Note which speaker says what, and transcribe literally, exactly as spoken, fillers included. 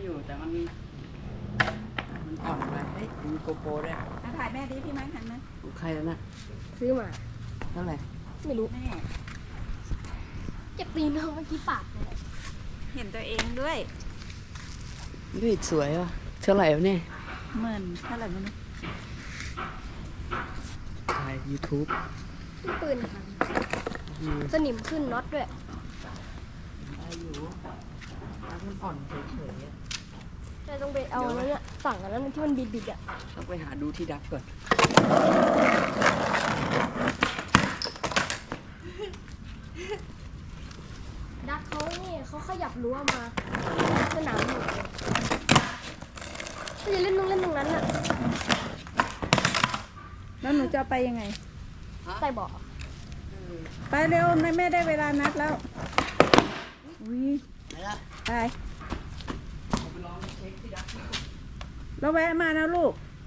Speaker 1: อยู่แต่มันมันอ่อนไปเฮ้ยมีโกโปรด้วย
Speaker 2: ถ่ายแม่ดิพี่มั้งหันมา
Speaker 1: ใครแล้วนะ
Speaker 3: ซื้อมา
Speaker 1: เท่าไหร่
Speaker 3: ไม่รู้
Speaker 2: แม่
Speaker 3: เจ็บตีนเมื่อกี้ปาก
Speaker 2: เห็นตัวเองด้วย
Speaker 1: นี่สวยว่ะเท่าไหร่วะเนี่ย
Speaker 2: หมื่นเท่าไหร่ไม่รู้
Speaker 1: ถ่ายยูทูบ
Speaker 3: ปืนสนิมขึ้นน็อตด้วย
Speaker 1: ได้อยู่มันอ่อนเฉยๆ
Speaker 3: แต่ต้องไปเอาแล้วเนี่ยสั่งกันแล้วที่มันบิดๆอ่ะ
Speaker 1: ต้องไปหาดูที่ดักก่อน
Speaker 3: ดักเขานี่เขาขยับรั้วมาสนามหมดเลยถ้าจะเล่นตรงเล่นตรงนั้นอ่ะ
Speaker 2: แล้วหนูจะไปยังไง
Speaker 3: ใต้เบาะ
Speaker 2: ไปเร็วแม่ได้เวลานัดแล้วอุ้ยไปเราแวะมานะลูก